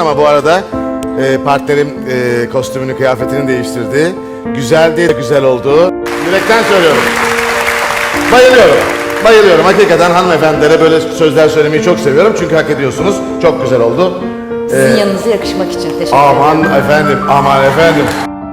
ama bu arada partnerim kostümünü, kıyafetini değiştirdi. Güzeldi, güzel oldu. Yürekten söylüyorum. Bayılıyorum. Bayılıyorum. Hakikaten hanımefendilere böyle sözler söylemeyi çok seviyorum. Çünkü hak ediyorsunuz. Çok güzel oldu. Sizin yanınıza yakışmak için teşekkür ederim. Aman efendim, aman efendim.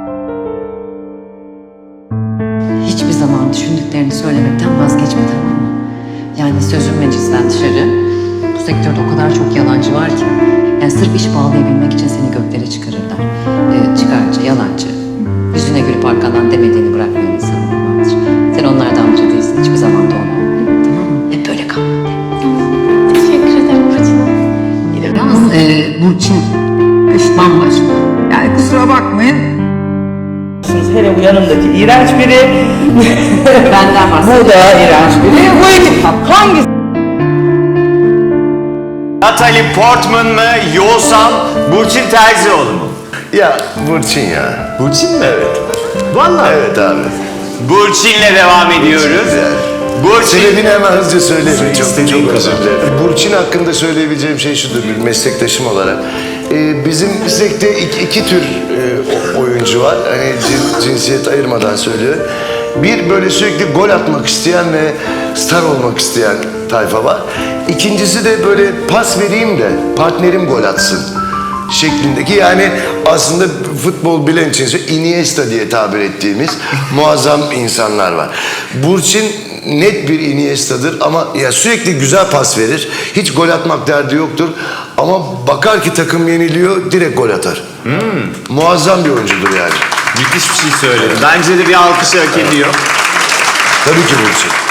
Hiçbir zaman düşündüklerini söylemekten vazgeçme, tamam mı? Yani sözün meclisten dışarı. Bu sektörde o kadar çok yalancı var ki. Yani sırf iş bağlayabilmek için seni göklere çıkarırlar. Çıkarcı, yalancı. Yüzüne gülüp arkandan demediğini bırakmayan insanlar vardır. Sen onlardan biri değilsin. Hiçbir zaman da olma. Tamam mı? Hep böyle kal. Teşekkür ederim Burçin. Yalnız Burçin bambaşka. Yani kusura bakmayın. Hele bu yanımdaki iğrenç biri. Benden bahsediyorum. Bu da iğrenç biri. Bu ekip hangisi? Natalie Portman mı yoksa Burçin Terzioğlu mu? Ya Burçin ya. Burçin mi? Evet. Vallahi. Evet abi. Burçin'le devam ediyoruz. Burçin. Sebebini hemen hızlıca söyleyeyim. İstediğin Çok kadar. özür dilerim. Burçin hakkında söyleyebileceğim şey şudur bir meslektaşım olarak. Bizim meslekte iki tür oyuncu var. Hani cinsiyet ayırmadan söylüyorum. Bir böyle sürekli gol atmak isteyen ve star olmak isteyen tayfa var. İkincisi de böyle pas vereyim de partnerim gol atsın şeklindeki, yani aslında futbol bilen için Iniesta diye tabir ettiğimiz muazzam insanlar var. Burçin net bir Iniesta'dır ama ya sürekli güzel pas verir. Hiç gol atmak derdi yoktur. Ama bakar ki takım yeniliyor, direkt gol atar. Muazzam bir oyuncudur yani. Müthiş bir şey söyledi. Bence de bir alkış hak ediyor. Tabii ki Burçin.